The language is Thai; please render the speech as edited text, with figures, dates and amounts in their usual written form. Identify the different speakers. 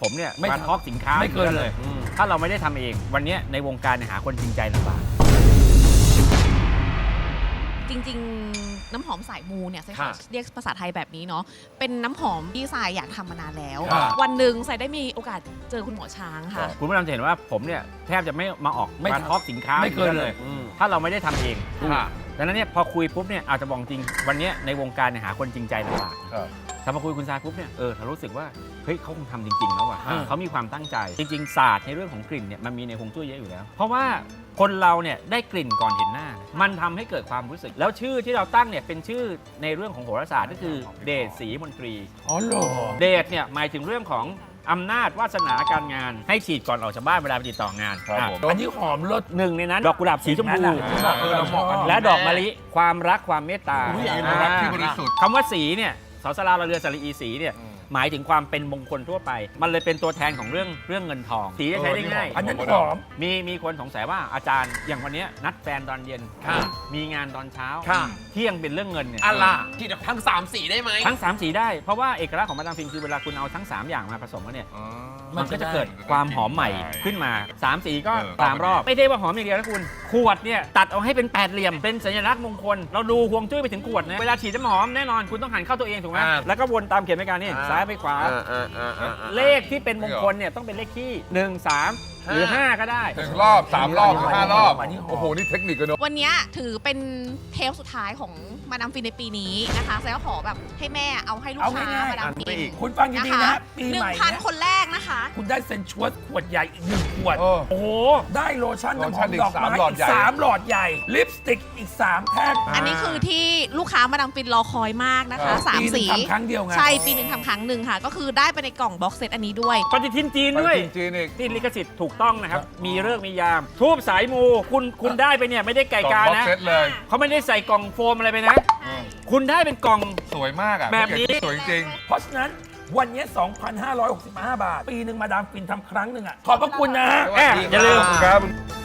Speaker 1: ผมเนี่ย
Speaker 2: ไม่
Speaker 1: มาทอล์กสินค้า
Speaker 2: ไม่เกินเลย
Speaker 1: ถ้าเราไม่ได้ทำเองวันนี้ในวงการหาคนจริงใจลำบาก
Speaker 3: จริงๆน้ำหอมสายมูเนี่ยใช่ค่ะ
Speaker 2: ค่ะ
Speaker 3: เรียกภาษาไทยแบบนี้เนาะเป็นน้ำหอมที่สายอยากทำมานานแล้ว
Speaker 2: ค่ะ
Speaker 3: วันหนึ่งสายได้มีโอกาสเจอคุณหมอช้างค่ะ
Speaker 1: คุณผู้ชมจะเห็นว่าผมเนี่ยแทบจะไม่มาออก
Speaker 2: ไม่
Speaker 1: มาทอล์กสินค้า
Speaker 2: ไม่เกินเลย
Speaker 1: ถ้าเราไม่ได้ทำเอง
Speaker 2: ค่ะ
Speaker 1: ดังนั้นเนี่ยพอคุยปุ๊บเนี่ยอาจจะบอกจริงวันนี้ในวงการหาคนจริงใจลำบากถ้ามาคุยคุณทรายปุ๊บเนี่ยเรารู้สึกว่าเฮ้ยเขาคงทำจริงๆแล้วว่ะเขามีความตั้งใจจริงๆศาสตร์ในเรื่องของกลิ่นเนี่ยมันมีในฮวงจุ้ยเยอะอยู่แล้ว เพราะว่าคนเราเนี่ยได้กลิ่นก่อนเห็นหน้า มันทำให้เกิดความรู้สึก แล้วชื่อที่เราตั้งเนี่ยเป็นชื่อในเรื่องของโหราศาสตร์ก็คือเดชศรีมนตรี
Speaker 2: อ๋อเหรอ
Speaker 1: เดชเนี่ยหมายถึงเรื่องของอำนาจวาสนาการงานให้ฉีดก่อนออกจากบ้านเวลาไปติดต่องาน
Speaker 4: ครับผม
Speaker 2: อันนี้หอมรส
Speaker 1: หนึ่งในนั้นดอกกุหลาบสีชมพู
Speaker 2: เราเหมาะกัน
Speaker 1: และดอกมะลิความรักความเมตตา
Speaker 4: อุ๊ยรักที่บริสุทธิ์
Speaker 1: คำว่าสีเนี่ยสาวสลาเราเรือสระอีสีเนี่ยหมายถึงความเป็นมงคลทั่วไป มันเลยเป็นตัวแทนของเรื่องเงินทอง สีจะใช้ได้ง่าย
Speaker 2: อันนั้นหอม
Speaker 1: มีคนสงสัยว่าอาจารย์อย่างวันเนี้ยนัดแฟนตอนเย็น
Speaker 2: ค่ะ
Speaker 1: มีงานตอนเช้า
Speaker 2: ค่ะ
Speaker 1: เที่ยงเป็นเรื่องเงินเนี่ย
Speaker 2: อะไร
Speaker 5: ที่ทั้ง3 สีได้ไหม
Speaker 1: ทั้ง3สีได้เพราะว่าเอกลักษณ์ของมาดามฟินคือเวลาคุณเอาทั้ง3อย่างมาผสมกันเนี่ย มันก็จะเกิดความหอมใหม่ขึ้นมา3สีก็
Speaker 4: เออ
Speaker 1: 3 รอบ ไม่ได้ว่าหอมอย่างเดียวนะคุณ ขวดเนี่ยตัดเอาให้เป็นแปดเหลี่ยม เป็นสัญลักษณ์มงคล เราดูฮวงจุ้ยไปถึงขวดนะ เวลาฉีดน้ำหอมแน่นอนคุณต้องหันเข้าตัวเองถูกไหม แล้วก็วนตามเขียนไปการนี่ซ้ายไปขวา เลขที่เป็นมงคลเนี่ยต้องเป็นเลขที่ 1 3 หรือ 5 ก็ได้
Speaker 4: 1 รอบ 3 รอบหรือ5 รอบ
Speaker 2: อันนี้หอม
Speaker 4: โอ้โห นี่เทคนิคกันเนอะ
Speaker 3: วันนี้ถือเป็นเทปสุดท้ายของมาดามฟินในปีนี้นะคะแซก็ขอแบบให้แม่เอาให้ลูก
Speaker 2: เอา
Speaker 3: ค้า
Speaker 2: ง่ายๆ
Speaker 3: มาดามฟิน
Speaker 2: คุณฟังดีๆนะปี
Speaker 3: หนึ่
Speaker 2: ให
Speaker 3: ง
Speaker 2: ม่
Speaker 3: พัน
Speaker 2: เนี่ย
Speaker 3: คนแรกนะคะ
Speaker 2: คุณได้เซนชวสขวดใหญ่อีก1 ขวด
Speaker 4: เออ
Speaker 1: โอ้โห
Speaker 2: ได้โลชั่นน้ำหอม
Speaker 4: โลชั่นอีก
Speaker 2: ดอกไม้
Speaker 4: 3 หลอด
Speaker 2: อีก
Speaker 4: ใหญ่
Speaker 2: 3 หลอดใหญ่ ลิปสติกอีก 3 แท่ง
Speaker 3: อันนี้คือที่ลูกค้ามาดามฟินรอคอยมากนะคะสาม
Speaker 2: ปีหนึ่
Speaker 3: สี
Speaker 2: งทำครั้งเดียวไง
Speaker 3: ใช่ปีหนึ่งทำครั้งหนึ่งค่ะ ก็คือได้ไปในกล่องบ็อกเซตอันนี้ด้วย
Speaker 1: ปฏิทินจีน
Speaker 4: ไป
Speaker 1: ด้วย
Speaker 4: จีนอีก
Speaker 1: ที่ลิขสิทธิ์ถูกต้องนะครับ มีเลิกษ์มียาม ทูบสายมูคุณได้ไปเนี่ยไม่ได้ไก่
Speaker 4: กล่อง
Speaker 1: กา
Speaker 4: บ็อก
Speaker 1: นะ
Speaker 4: เซตเลย
Speaker 1: เขาไม่ได้ใส่กล่องโฟมอะไรไปนะ คุณได้เป็นกล่อง
Speaker 4: สวยมากอ่ะ
Speaker 1: แบบนี้
Speaker 4: สวยจริง
Speaker 2: เพราะฉะนั้นวันนี้ 2,565 บาท ปีหนึ่งมาดามฟินทำครั้งหนึ่งอ่ะ ขอบพระคุณนะฮะ
Speaker 4: สวัสดี
Speaker 1: อย่าลืม
Speaker 4: ครับ